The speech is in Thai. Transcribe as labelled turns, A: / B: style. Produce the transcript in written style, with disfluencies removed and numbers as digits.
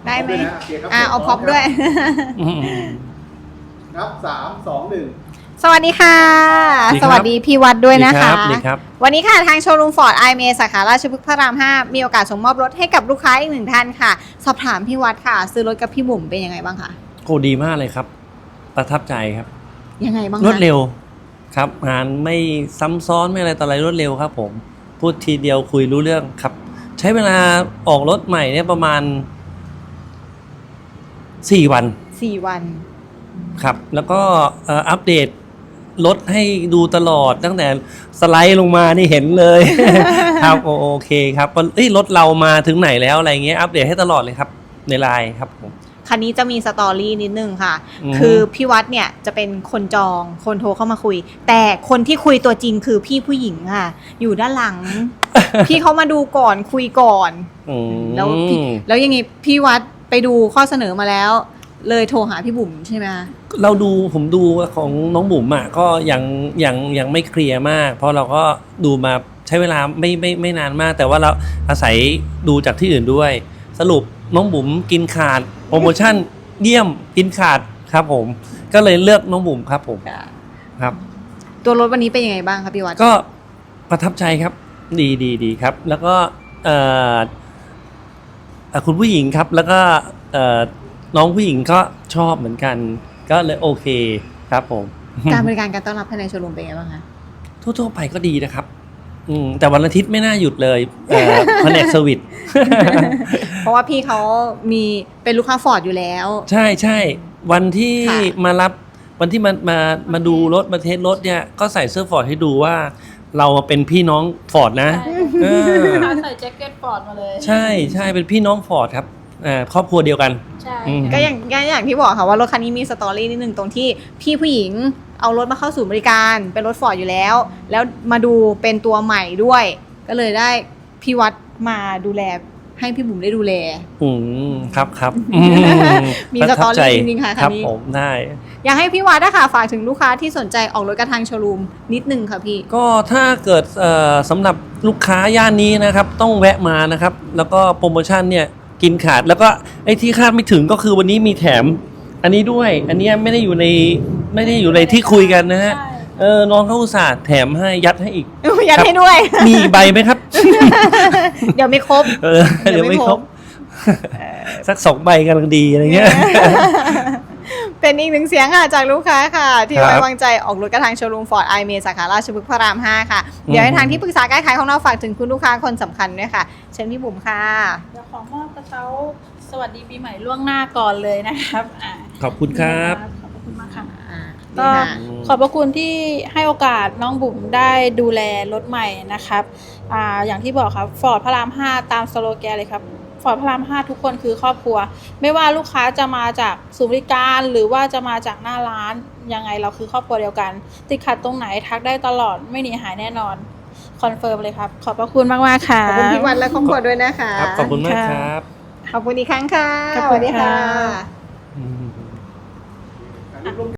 A: ได้ไหม
B: โอเคครับ
A: เอาพร็อพด้วย
B: นับ3 2 1
A: สวัสดีค่ะ สวัสดีพี่วัดด้วยนะคะ
C: สวัสดีครับ
A: วันนี้ค่ะทางโชว์รูมฟอร์ดไอเมสาขาราชพฤกษ์พระราม 5 มีโอกาสส่งมอบรถให้กับลูกค้าอีก1ท่านค่ะ สอบถามพี่วัดค่ะ ซื้อรถกับพี่บุ๋มเป็นยังไงบ้างคะ
C: โอ้ดีมากเลยครับ ประทับใจครับ
A: ยังไงบ้างคะ
C: รวดเร็วครับงานไม่ซ้ำซ้อนไม่อะไรต่ออะไรรวดเร็วครับผมพูดทีเดียวคุยรู้เรื่องครับ ใช้เวลาออกรถใหม่เนี่ยประมาณ4 วัน
A: 4 วัน
C: ครับ แล้วก็อัปเดตรถให้ดูตลอดตั้งแต่สไลด์ลงมานี่เห็นเลย ครับโอเคครับรถเรามาถึงไหนแล้วอะไรเงี้ยอัปเดตให้ตลอดเลยครับในไลน์ครับผม
A: คันนี้จะมีสตอรี่นิดนึงค่ะ
C: อือฮึ
A: คือพี่วัดเนี่ยจะเป็นคนจอง คนโทรเข้ามาคุย แต่คนที่คุยตัวจริงคือพี่ผู้หญิงค่ะ อยู่ด้านหลัง พี่เขามาดูก่อนคุยก่อน
C: อืม
A: แล้วยังไงพี่วัดไปดูข้อเสนอมาแล้ว เลยโทรหาพี่บุ๋มใช่ไหมคะ
C: ผมดูของน้องบุ๋มอ่ะก็ยังไม่เคลียร์มาก เพราะเราก็ดูมาใช้เวลาไม่นานมาก แต่ว่าเราอาศัยดูจากที่อื่นด้วย สรุปน้องบุ๋มกินขาดโปรโมชั่นเยี่ยมกินขาดครับผมก็เลยเลือกน้องบุ๋มครับผมครับ
A: ตัวรถวันนี้เป็นยังไงบ้างครับพี่วัด
C: ก็ประทับใจครับดีครับ แล้วก็คุณผู้หญิงครับ แล้วก็น้องผู้หญิงก็ชอบเหมือนกัน ก็เลยโอเคครับผม
A: การบริการการต้อนรับภายในโชว์รูมเป็นยังไงบ้างคะ
C: ทั่วๆไปก็ดีนะครับแต่วันอาทิตย์ไม่น่าหยุดเลยแผนกเซอร์วิส
A: เพราะว่าพี่เขามีเป็นลูกค้าฟอร์ดอยู่แล้ว
C: ใช่วันที่
A: ค่ะ
C: มารับวันที่มาดูรถมาเทสรถเนี่ยก็ใส่เสื้อฟอร์ดให้ดูว่าเราเป็นพี่น้องฟอร์ดนะเออ
D: ใส่แจ็คเก็ตฟอร์ดมาเลย
C: ใช่เป็นพี่น้องฟอร์ดครับครอบครัวเดียวกัน
D: ใช่
C: อืม
A: ก็อย่างที่บอกค่ะว่ารถคันนี้มีสตอรี่นิดนึงตรงที่พี่ผู้หญิงเอารถมาเข้าศูนย์บริการเป็นรถฟอร์ดอยู่แล้ว แล้วมาดูเป็นตัวใหม่ด้วย ก็เลยได้พี่วัดมาดูแลให้พี่บุ๋มได้ดูแล
C: ครับ
A: มีสตอรี่จริงๆค่ะ
C: ค
A: คั
C: รั
A: น
C: บ
A: นี้
C: ผมได้
A: อยากให้พี่วัดนะคะฝากถึงลูกค้าที่สนใจออกรถกระทางโชว์รูมนิดนึงค่ะพี่
C: ก็ถ้าเกิดสำหรับลูกค้าย่านนี้นะครับต้องแวะมานะครับ แล้วก็โปรโมชั่นเนี่ยกินขาดแล้วก็ไอ้ที่คาดไม่ถึงก็คือวันนี้มีแถมอันนี้ด้วย อันนี้ไม่ได้อยู่ในที่คุยกันนะฮะ
D: ใช่
C: น้องเขาอุตส่าห์แถมให้ยัดให้อีก
A: ยัดให้ด้วย
C: มีอีกใบไหมครับ
A: เดี๋ยวไม่ครบ
C: เดี๋ยวไม่ครบสัก2 ใบกำลังดีอะไรเงี้ย
A: เป็นอีกหนึ่งเสียงค่ะจากลูกค้าค่ะ ที่
C: ครับ
A: ไว้วางใจออกรถกระทางโชว์รูมฟอร์ดไอเมสาขาราชพฤกษ์พระราม 5 ค่ะ เดี๋ยวให้ทางที่ปรึกษาการขายของเราฝากถึงคุณลูกค้าคนสำคัญด้วยค่ะ เชิญพี่บุ๋มค่ะ
D: เดี๋ยวขอมอบกระเช้าสวัสดีปีใหม่ล่วงหน้าก่อนเลยนะครับ
C: ขอบคุณครับ
D: ขอบคุณมากค่ะ
A: นี่
D: ก็
A: ค่ะ
D: ขอบพระคุณที่ให้โอกาสน้องบุ๋มได้ดูแลรถใหม่นะครับอย่างที่บอกครับฟอร์ดพระราม 5 ตามสโลแกนเลยครับฟอร์ดพระราม 5 ทุกคนคือครอบครัว ไม่ว่าลูกค้าจะมาจากศูนย์บริการหรือว่าจะมาจากหน้าร้านยังไงเราคือครอบครัวเดียวกัน ติดขัดตรงไหนทักได้ตลอดไม่หนีหายแน่นอนคอนเฟิร์มเลยครับ ขอบพระคุณมากๆค่ะ
A: ขอบคุณพี่วันและครอบครัวด้วยนะคะ
C: ครับขอบคุณมากครับ
A: ขอบคุณอีกครั้งค่ะ
D: ขอบ
A: ส
D: คุณ
A: วัสดีค่ะ
D: ค่ะ
C: อืม
B: อันนี้ร่วม